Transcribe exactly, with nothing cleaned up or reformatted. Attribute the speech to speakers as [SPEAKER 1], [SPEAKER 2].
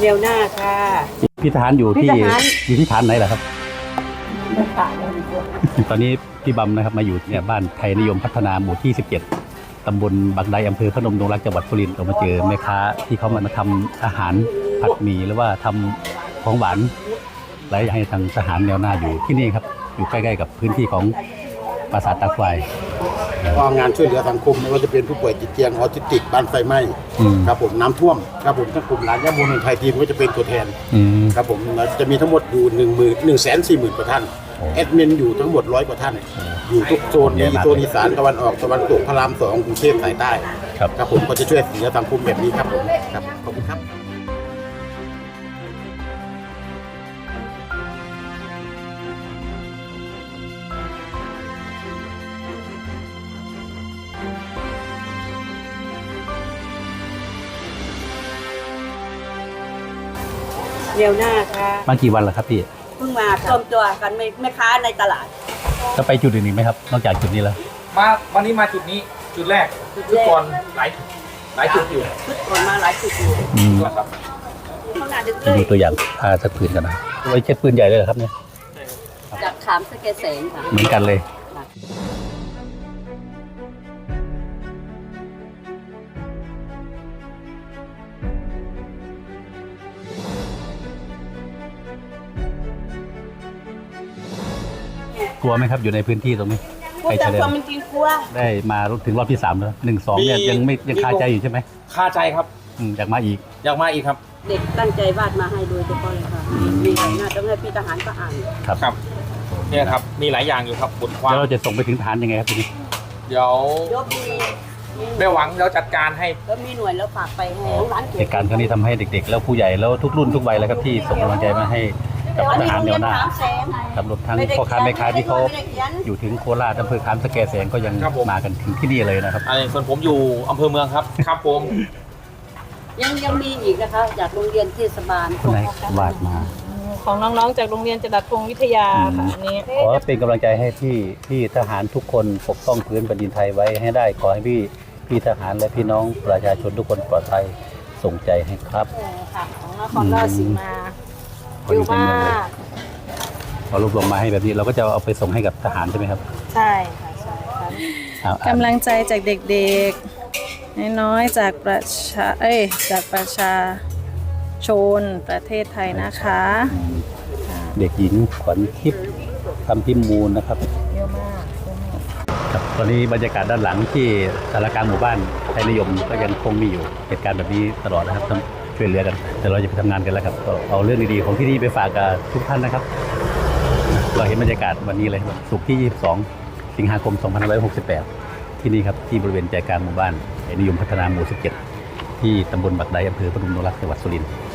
[SPEAKER 1] เร็วหน้าค่ะ
[SPEAKER 2] พี่ทหารอยู่ที่อยู่ที่ฐานไหนล่ะครับตอนนี้พี่บัมนะครับมาอยู่เนี่ยบ้านไทยนิยมพัฒนาหมู่ที่สิบเจ็ดตำบลบางไดอำเภอพนมดงรักจังหวัดสุรินทร์เรามาเจอแม่ค้าที่เขามาทำอาหารผัดหมี่หรือว่าทำของหวานหลายอย่างให้ทางทหารแนวหน้าอยู่ที่นี่ครับอยู่ใกล้ๆกับพื้นที่ของปราสาทตาควาย
[SPEAKER 3] ก็งานช่วยเหลือสังคมไม่ว่าจะเป็นผู้ป่วยติดเตียงออทิสติกบ้านไฟไหม้ครับผมน้ำท่วมครับผมทั้งกลุ่มหลานยาบุญไทยทีมก็จะเป็นตัวแทนครับผมจะมีทั้งหมดอยู่หนึ่งหมื่นหนึ่งแสนสี่หมื่นกว่าท่านแอดมินอยู่ทั้งหมดร้อยกว่าท่านอยู่ทุกโซนมีโซนอีสานตะวันออกตะวันตกพระรามสองกรุงเทพสายใต้ครับผมก็จะช่วยเหลือสังคมแบบนี้ครับผมครับขอบคุณครับ
[SPEAKER 1] เร็วหน้าค่ะ
[SPEAKER 2] มากี่วันแล้วครับพี่
[SPEAKER 1] เพิ่งมารวมตัวกันไม่ไม่ค้าในตลาด
[SPEAKER 2] จะไปจุดอื่นอีกไหมครับนอกจากจุดนี้แล้ว
[SPEAKER 4] มาวันนี้มาจุดนี้จุดแรกจุดก่อนหลายหลายจุดอยู่
[SPEAKER 1] จุดก่อนมาหลายจุดอยู่
[SPEAKER 4] ครับ
[SPEAKER 2] ดูตัวอย่างผ้าสักผืนกันนะไว้เช็ดปืนใหญ่เลยเหรอครับเนี่ย
[SPEAKER 1] จากขามสแกแสงค่ะ
[SPEAKER 2] เหมือนกันเลยกลัวไหมครับอยู่ในพื้นที่ตรงนี้
[SPEAKER 1] กลัวแต่ความเป็นจริงกลัว
[SPEAKER 2] ได้มาถึงรอบที่สามแล้วหนึ่งสองเนี่ยยังไม่ยังคาใจอยู่ใช่ไหม
[SPEAKER 4] คาใจครับ
[SPEAKER 2] อยากมาอีก
[SPEAKER 4] อยากมาอีกครับ
[SPEAKER 1] เด็กตั้งใจวาดมาให้โดยเฉพาะเลยค่ะมีหลายหน้าต้องให้พี่ทหารก็อ่าน
[SPEAKER 2] ครับ
[SPEAKER 4] ครับเนี่ยครับมีหลายอย่างอยู่ครับบทความ
[SPEAKER 2] แล้วเราจะส่งไปถึงฐานยังไงครับทีนี้
[SPEAKER 4] เดี๋ยวแม่หวังเราจัดการให้
[SPEAKER 1] แล้วมีหน่วยแล้วฝากไปให้ร้าน
[SPEAKER 2] เหตุการณ์ครั้งนี้ทำให้เด็กๆแล้วผู้ใหญ่แล้วทุกรุ่นทุกวัยแล้วครับที่ส่งกำลังใจมาให้กับทหารแนวหน้าตำรวจทั้งพ่อค้าแม่ค้าที่เขาอยู่ถึงโคราชอำเภอขามสแกแสงก็ยังมากันถึงที่นี่เลยนะครับ
[SPEAKER 4] อันนี้ส่วนผมอยู่อำเภอเมืองครับครับผม
[SPEAKER 1] ยังยังมีอีกนะคะจากโรงเรียนเทศบาล
[SPEAKER 2] ไหนวาดมา
[SPEAKER 5] ของน้องๆจากโรงเรียนจรัสพงศ์วิทยาค่ะอันนี้
[SPEAKER 2] ขอเป็นกำลังใจให้พี่พี่ทหารทุกคนปกป้องพื้นแผ่นดินไทยไว้ให้ได้ขอให้พี่พี่ทหารและพี่น้องประชาชนทุกคนปลอดภัยส่งใจให้ครับ
[SPEAKER 5] ค่ะของนครราชสีมาอยู่มาก
[SPEAKER 2] พอรวบรวมมาให้แบบนี้เราก็จะเอาไปส่งให้กับทหารใช่ไหมครับ
[SPEAKER 5] ใช่ค่ะใช่ค่ะกำลังใจจากเด็กๆน้อยๆจากประชาเอ้ยจากประชาชนประเทศไทยนะคะ
[SPEAKER 2] เด็กหญิงขวัญทิพย์คำพิมูลนะครับ
[SPEAKER 5] เยอะมาก
[SPEAKER 2] ครับตอนนี้บรรยากาศด้านหลังที่สารกลางหมู่บ้านไทยนิยมก็ยังคงมีอยู่เหตุการณ์แบบนี้ตลอดนะครับช่วยเหลือกันแต่เราจะไปทำงานกันแล้วครับก็เอาเรื่องดีๆของที่นี่ไปฝากกับทุกท่านนะครับเราเห็นบรรยากาศวันนี้เลยศุกร์ที่ยี่สิบสองสิงหาคมสองพันห้าร้อยหกสิบแปดที่นี่ครับที่บริเวณใจกลางหมู่บ้านไทยนิยมพัฒนาหมู่สิบเจ็ดที่ตำบลบักไดอำเภอพนมดงรักจังหวัดสุรินทร์